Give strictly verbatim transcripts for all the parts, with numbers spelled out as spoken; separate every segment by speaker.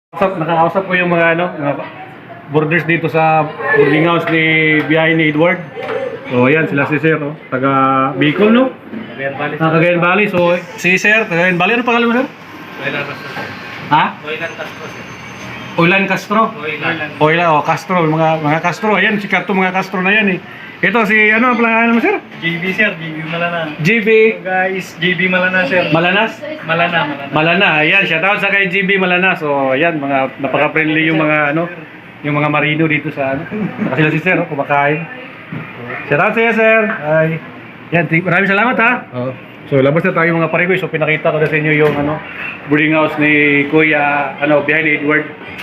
Speaker 1: Nakakausap, nakakausap ko yung mga ano, mga borders dito sa boarding house ni biyahe ni Edward. So ayan sila si Sir, oh, taga Bicol, no?
Speaker 2: Cagayan Valley.
Speaker 1: Ah, Cagayan Valley. So si Sir, Cagayan Valley, ano pangalan mo, Sir?
Speaker 2: Oilan Castro.
Speaker 1: Ha?
Speaker 2: Oilan Castro, sir.
Speaker 1: Oilan Castro.
Speaker 2: Oilan.
Speaker 1: Oilan, oh, Castro, mga mga Castro. Ayan, sikat to mga Castro na yan eh. Ito si ano ang pangalan mo, Sir?
Speaker 2: J B, sir. J B Malana.
Speaker 1: G B
Speaker 2: So, guys, J B Malana, sir.
Speaker 1: Malanas?
Speaker 2: Malana, Malana.
Speaker 1: Malana. Ayan, shout out sa kay G B Malana. So ayan, mga napaka-friendly yung mga ano, yung mga marino dito sa ano. Saka sila si Sir, oh, kumakain. Shout out sa iyo, Sir. Ay. Yan, t- maraming salamat ha.
Speaker 2: Oo.
Speaker 1: So labas na tayo mga pare ko. So pinakita ko na sa inyo yung ano, boarding house ni Kuya, ano, behind ni Edward.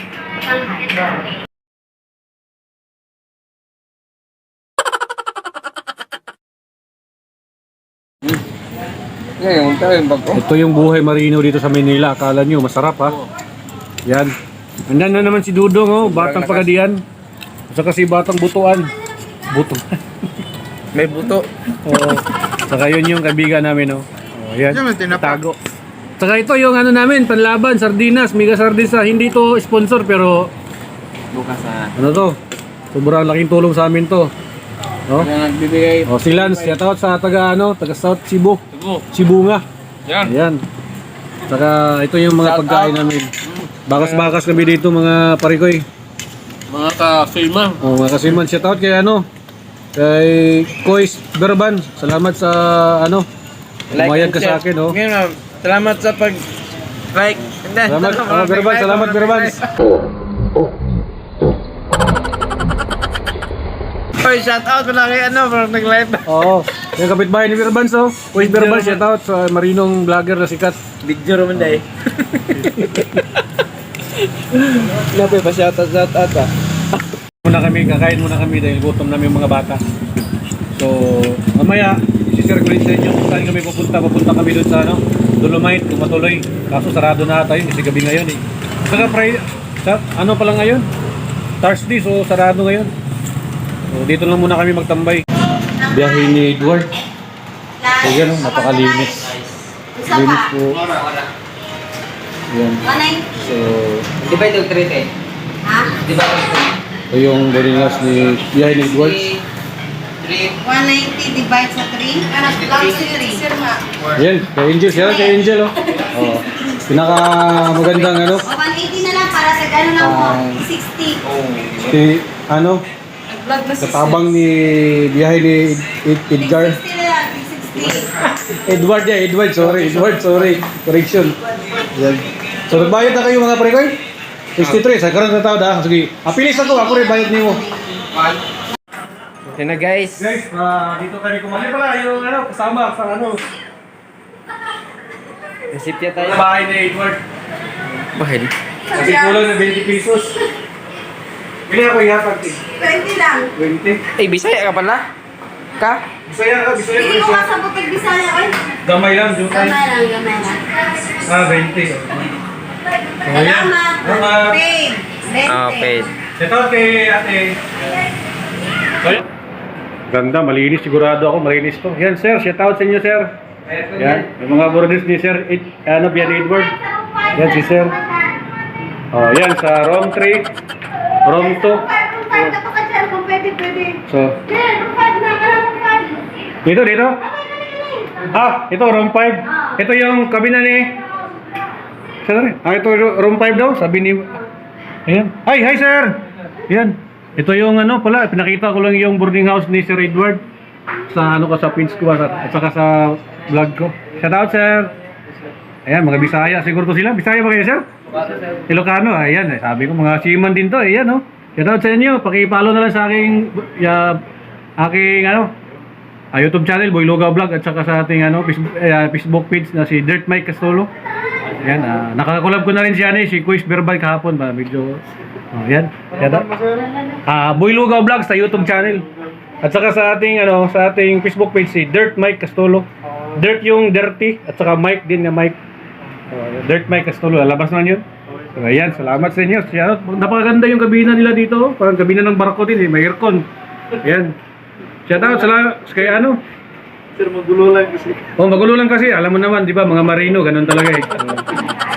Speaker 3: Ngayon, tayo yung bago.
Speaker 1: Ito yung buhay marino dito sa Manila. Akala nyo, masarap ha. Yan. Andan na naman si Dudong, oh, batang pagadian. Saka si batang butuan. Buto.
Speaker 3: May buto.
Speaker 1: Oo. Saka yun yung kaibigan namin, oh. Oh, yan.
Speaker 3: Diyan, may tinapa.
Speaker 1: Tago. Saka ito yung ano namin, panlaban, sardinas, mega sardines. Hindi to sponsor pero
Speaker 3: Bukas na.
Speaker 1: ano to? Sobrang laking tulong sa amin to. No?
Speaker 3: Kaya nagbibigay.
Speaker 1: Oh, si Lance, shout out sa taga ano, taga South Cebu.
Speaker 3: Cebu.
Speaker 1: Cebu nga.
Speaker 3: Yan.
Speaker 1: Ayan. Saka ito yung mga
Speaker 3: Shout
Speaker 1: pagkain
Speaker 3: out.
Speaker 1: namin. Bakas-bakas kami dito mga parikoy.
Speaker 3: Mga ka-filma.
Speaker 1: Oh, mga kasiman, shout out kay ano, kay Kois Berban. Salamat sa ano, umayag ka sa akin, oh.
Speaker 3: Ngayon, ma'am, salamat sa pag like. Hindi,
Speaker 1: Salamat, oh, Berban, salamat Berban.
Speaker 3: Oy, shout out pala kay ano, parang nag-live.
Speaker 1: Oo, yung kapitbahay ni Berban, so. Kois Berban, shout out sa marinong vlogger na sikat.
Speaker 3: Video naman dahil. Nabi pa shout out, shout out ah.
Speaker 1: Muna kami, kakain muna kami dahil gutom namin yung mga bata. So, mamaya, isi-share ko rin sa inyo kung saan kami pupunta. Pupunta kami doon sa ano, Dolomite, kung matuloy. Kaso sarado na tayo, kasi gabi ngayon eh. Saka Friday, sa, ano pa lang ngayon? Thursday, so sarado ngayon. So, dito lang muna kami magtambay. Biyahe ni Edward. So, yan oh, napakalinis. Linis po. Yan. So,
Speaker 3: Di ba ito treat eh?
Speaker 4: Ha?
Speaker 3: Di ba ito?
Speaker 1: ito yung boarding house ni biyahe ni Edward.
Speaker 3: Treat.
Speaker 4: one ninety divide sa three? Ano? Lang si three.
Speaker 1: Yan, kay Angel. Siya kay Angel oh. Oh. Pinaka magandang ano.
Speaker 4: O, one eighty na lang para sa gano'n lang po.
Speaker 1: Ah.
Speaker 4: sixty.
Speaker 3: Oh.
Speaker 1: Si ano,
Speaker 4: Vlog na si
Speaker 1: katabang ni biyahe ni Ed- Edgar.
Speaker 4: sixty na lang. sixty.
Speaker 1: Edward ya, Edward, sorry, Edward, sorry. Correction. Yan. So nagbayad na kayo mga prekoy? sixty-three, sa karon na tao da. Sige, apilis ako, ako rin bayad nimo.
Speaker 3: Yan na guys.
Speaker 1: Guys, uh, dito kami kumali pala yung ano, kasama sa ano,
Speaker 3: Resipya tayo.
Speaker 1: sa bahay ni Edward.
Speaker 3: Bahil.
Speaker 1: Kasi kulang na twenty pesos. Bili ako ihatag eh.
Speaker 4: twenty lang.
Speaker 1: twenty.
Speaker 3: Eh, Bisaya ka pala? Ka?
Speaker 1: Bisaya ka, Bisaya
Speaker 4: Hindi
Speaker 1: ka
Speaker 4: mo
Speaker 1: siya.
Speaker 4: kasabot ng Bisaya. Oy.
Speaker 1: Gamay lang, jutay.
Speaker 4: Gamay lang, gamay lang.
Speaker 1: Ah, twenty. Oh, yan.
Speaker 4: Salamat.
Speaker 1: Salamat.
Speaker 4: Paid.
Speaker 3: Ah, paid.
Speaker 1: Ito kay ate. Ganda, malinis sigurado ako, malinis to. Yan sir, shout out sa inyo sir. Yan, yung mga borders ni sir, Ed, ano, Bian Edward. Yan si sir. Oh, yan sa room three, room two. So, dito, dito. Ah, ito room five. Ito yung kabina ni sir. Ah, ito room five daw, sabi ni. Ayan. Hi, hi sir. Yan. Ito yung ano pala, pinakita ko lang yung boarding house ni Sir Edward sa ano ko sa pins ko at saka sa vlog ko. Shout out sir. Ayan, mga Bisaya siguro to sila. Bisaya ba kayo sir? Ilocano. Ayan, eh, sabi ko mga seaman din to. Ayan oh. Shout out sa inyo. Paki-follow na lang sa aking uh, aking ano uh, YouTube channel Boy Lugaw Vlog at saka sa ating ano Facebook, uh, Facebook page na si Dirt Mike Castolo. Ayan, uh, nakakolab ko na rin siya ni si Quiz Verbal kahapon ba medyo oh, yan. Ah, uh, Boy Lugaw Vlog sa YouTube channel. At saka sa ating ano, sa ating Facebook page si Dirt Mike Castolo. Dirt yung dirty at saka Mike din na Mike. Uh, Dirt Mike Castolo, lalabas na 'yun. So, ayan, salamat sa inyo. Siya, napakaganda yung kabina nila dito. Parang kabina ng barko din eh, may aircon. Ayan. Shout out sa kay ano,
Speaker 2: Sir, magulo lang kasi.
Speaker 1: oh, magulo lang kasi. Alam mo naman, di ba, mga marino, ganun talaga eh.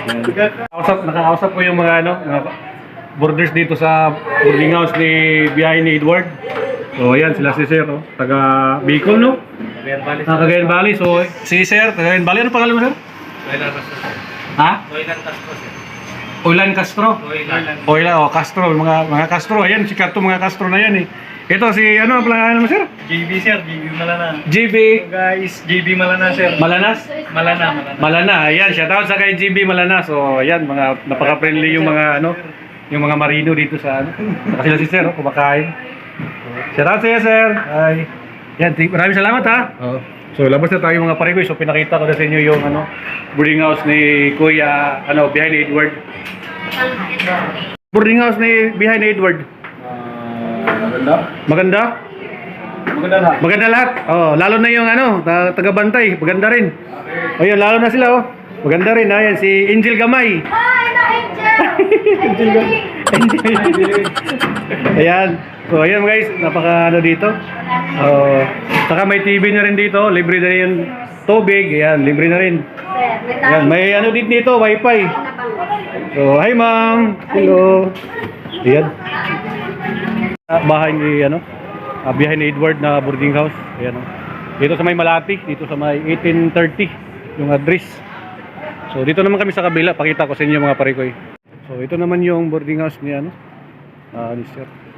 Speaker 1: Nakausap, nakausap ko yung mga ano, mga boarders dito sa boarding house ni Biyahe ni Edward. So ayan sila si Sir, oh, taga Bicol, no?
Speaker 2: Cagayan Valley.
Speaker 1: Ah, Cagayan Valley. So si Sir, Cagayan Valley, ano pangalan mo, Sir?
Speaker 2: Oilan Castro, sir.
Speaker 1: Ha?
Speaker 2: Oilan Castro, sir.
Speaker 1: Oilan Castro.
Speaker 2: Oilan.
Speaker 1: Oilan, oh, Castro, mga mga Castro. Ayan, si Karto mga Castro na yan eh. Ito si ano ang pangalan mo, Sir?
Speaker 2: J B, sir. J B Malana.
Speaker 1: G B
Speaker 2: Guys, J B Malana, sir.
Speaker 1: Malanas.
Speaker 2: Malana, Malana.
Speaker 1: Malana, ayan, shout out sa kay G B Malana. So, ayan, mga napaka-friendly yung mga ano, yung mga marino dito sa ano. Saka sila si Sir, oh, kumakain. Shout out sa iyo, Sir. Ay. Yan, t- maraming salamat ha.
Speaker 3: Oo.
Speaker 1: So, labas na tayo mga parigoy. So, pinakita ko na sa inyo yung ano, boarding house ni Kuya, ano, behind ni Edward. Boarding house ni behind ni Edward.
Speaker 2: Maganda.
Speaker 1: Maganda?
Speaker 2: Maganda lahat.
Speaker 1: Maganda lahat. Oh, lalo na yung ano, ta- taga-bantay, maganda rin. Oh, yun, lalo na sila oh. Maganda rin, ayan si Angel Gamay.
Speaker 4: Hi, na Angel! Angel!
Speaker 1: Ayan. So, ayan guys, napaka ano dito. Oh, saka may T V na rin dito, libre na rin yung tubig, ayan, libre na rin. Ayan, may ano dito dito, wifi. So, hi ma'am. Hello. Ayan. Ah, bahay ni ano, ah, biyahe ni Edward na boarding house. Ayan oh. Dito sa may Malati, dito sa may eighteen thirty yung address. So dito naman kami sa kabila, pakita ko sa inyo mga parikoy. So ito naman yung boarding house ni ano, ah, ni Sir.